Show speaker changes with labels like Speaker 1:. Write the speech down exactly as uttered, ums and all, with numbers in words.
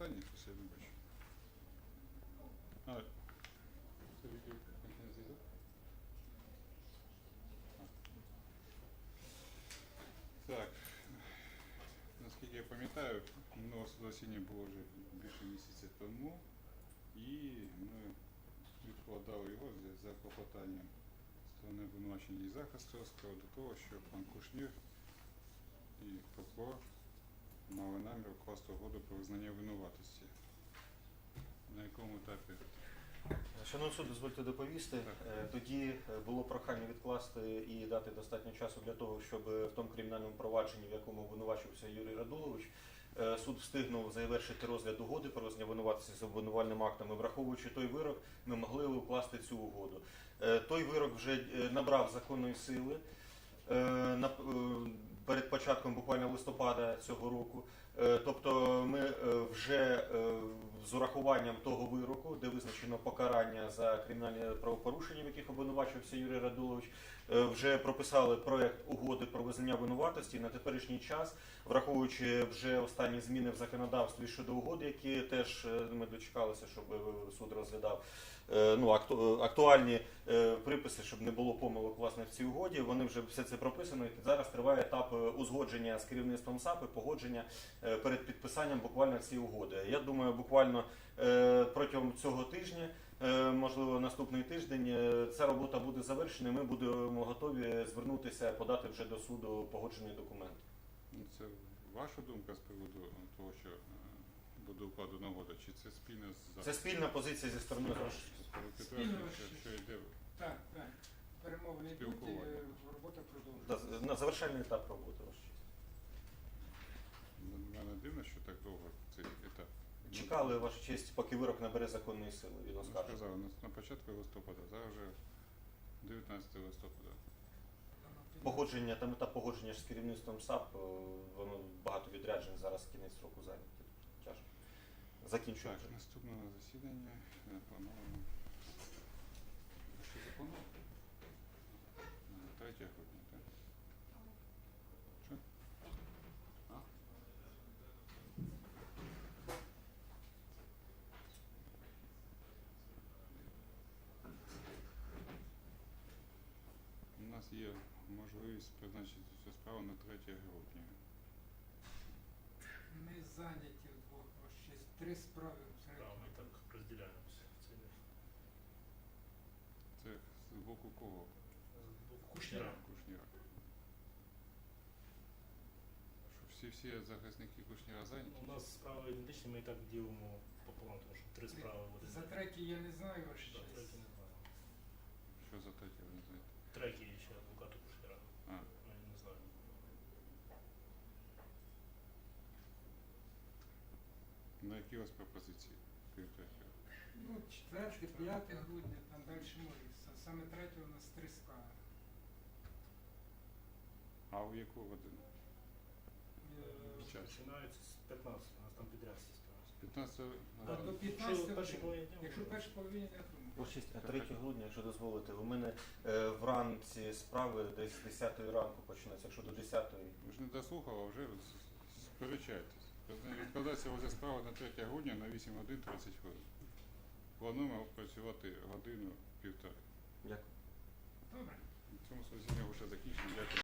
Speaker 1: питання, щось я не бачу. А, це відео зв'язок? Так, наскільки я пам'ятаю, минуле засідання було вже більше місяця тому, і ми відкладали його за клопотанням сторони обвинувачення і захисту з приводу того, що пан Кушнір і прокурор мали намір укласти угоду про визнання винуватості. На якому етапі?
Speaker 2: Шановний суд, дозвольте доповісти.
Speaker 1: Так.
Speaker 2: Тоді було прохання відкласти і дати достатньо часу для того, щоб в тому кримінальному провадженні, в якому обвинувачувався Юрій Радулович, суд встигнув завершити розгляд угоди про визнання винуватості з обвинувальним актом. І враховуючи той вирок, ми могли укласти цю угоду. Той вирок вже набрав законної сили перед початком буквально листопада цього року. Тобто ми вже з урахуванням того вироку, де визначено покарання за кримінальні правопорушення, в яких обвинувачувався Юрій Радулович, вже прописали проект угоди про визнання винуватості. На теперішній час, враховуючи вже останні зміни в законодавстві щодо угоди, які теж ми дочекалися, щоб суд розглядав, ну, актуальні приписи, щоб не було помилок власне в цій угоді, вони вже все це прописано, і зараз триває етап узгодження з керівництвом САП і погодження перед підписанням буквально цієї угоди. Я думаю, буквально протягом цього тижня, можливо наступний тиждень, ця робота буде завершена, і ми будемо готові звернутися, подати вже до суду погоджений документ.
Speaker 1: Це ваша думка з приводу того, що буде укладена угода, чи це спільна з...
Speaker 2: Це спільна позиція зі сторони
Speaker 1: Спільно, що, що йде...
Speaker 3: Так, так. Перемовини йдуть, робота продовжується.
Speaker 2: На завершальний етап роботи.
Speaker 1: Мене дивно, що так довго цей етап.
Speaker 2: Чекали, ваша честь, поки вирок набере законної сили. Він
Speaker 1: Я сказав, на початку листопада, зараз вже дев'ятнадцятого листопада.
Speaker 2: Погодження, там етап погодження з керівництвом САП, воно багато відряджень, зараз кінець року зайняті. Тяжко. Закінчуємо.
Speaker 1: Так, наступне засідання плановано. Що заплановано? третього грудня, так? Що? А? У нас є можливість призначити цю справу на третє грудня.
Speaker 3: Ми зайняті вдвох, ось ще три справи.
Speaker 4: Да, ми так розділяємося. Це
Speaker 1: Це з боку кого?
Speaker 4: Кушніра.
Speaker 1: Кушніра. Що всі всі захисники Кушніра зайняті?
Speaker 4: У нас справи ідентичні, ми і так ділимо пополам, тому що три справи буде.
Speaker 3: За третій я не знаю, ваш
Speaker 4: За
Speaker 3: честь.
Speaker 4: третій не знаю.
Speaker 1: Що за третє, ви не знаєте?
Speaker 4: Третій ще адвокату Кушніра.
Speaker 1: А.
Speaker 4: Ми не знаю.
Speaker 1: На які у вас пропозиції? Крім третього?
Speaker 3: Ну, четверте, п'яте грудня, там далі може. Саме третє у нас три справи.
Speaker 1: А у яку годину?
Speaker 3: Е,
Speaker 1: Час.
Speaker 4: Починається з п'ятнадцятого, у нас там підряд всі справи.
Speaker 1: п'ятнадцятого?
Speaker 3: А
Speaker 4: Так.
Speaker 3: до
Speaker 4: Якщо
Speaker 3: п'ятнадцятого,
Speaker 4: перші половині дня,
Speaker 3: якщо
Speaker 4: може.
Speaker 3: перші половині дня, то
Speaker 2: Ваша честь, третього грудня, якщо дозволите, у мене е, вранці справи десь з десятої ранку почнуться, якщо до десятої.
Speaker 1: Ви ж не дослухали, а вже сперечаєтесь. Відкладається розгляд справи на третє грудня на вісім годин тридцять хвилин. Плануємо працювати годину-півтори.
Speaker 2: Дякую.
Speaker 3: добре.
Speaker 1: В цьому засіданні вже закінчено. Дякую.